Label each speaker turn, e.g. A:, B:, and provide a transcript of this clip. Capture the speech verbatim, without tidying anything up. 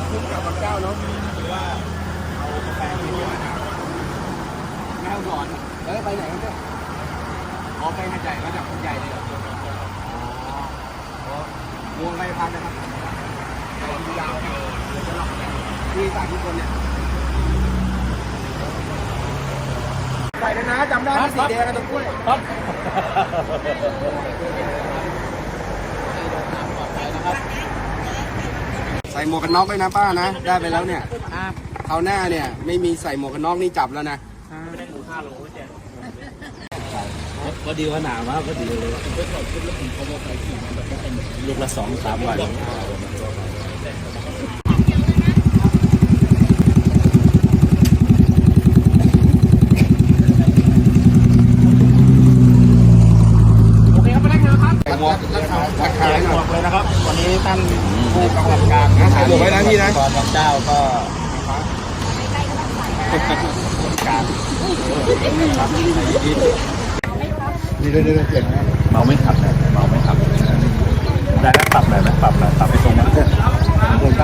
A: คุ้มกับบางเจ้าเนาะหรือว่าเอากาแฟไปที่ไหนแม่ก่อนเอ้ยไปไหนกันเนี่ยอ๋อไปหาดใหญ่มาจากหาดใหญ่เลยเหรออ๋อวงไปพันนะครับยาวที่สามที่คนเนี่ยใส่เลยนะจำได้สีแดงกันตรงกล้วยครับใส่หมวกกันน็อกด้วยนะป้านะได้ไปแล้วเนี่ยคราวหน้าเนี่ยไม่มีใส่หมวกกันน็อกนี่จับแล้วนะไม่ได้หมูห้าโลไม่แจกพอดีว่าหนามากพอดีเลยลูกละสองสามวันหมวกราคาหมวกเลยนะครับวันนี้ท่านผู้กำกับการนะใส่หมวกไว้นะพี่นะตอนเจ้าก็การนี่เรื่อยๆเปลี่ยนนะเมาไม่ขับนะเมาไม่ขับได้แล้วปรับหน่อยไหมปรับหน่อยปรับไปตรงนั้น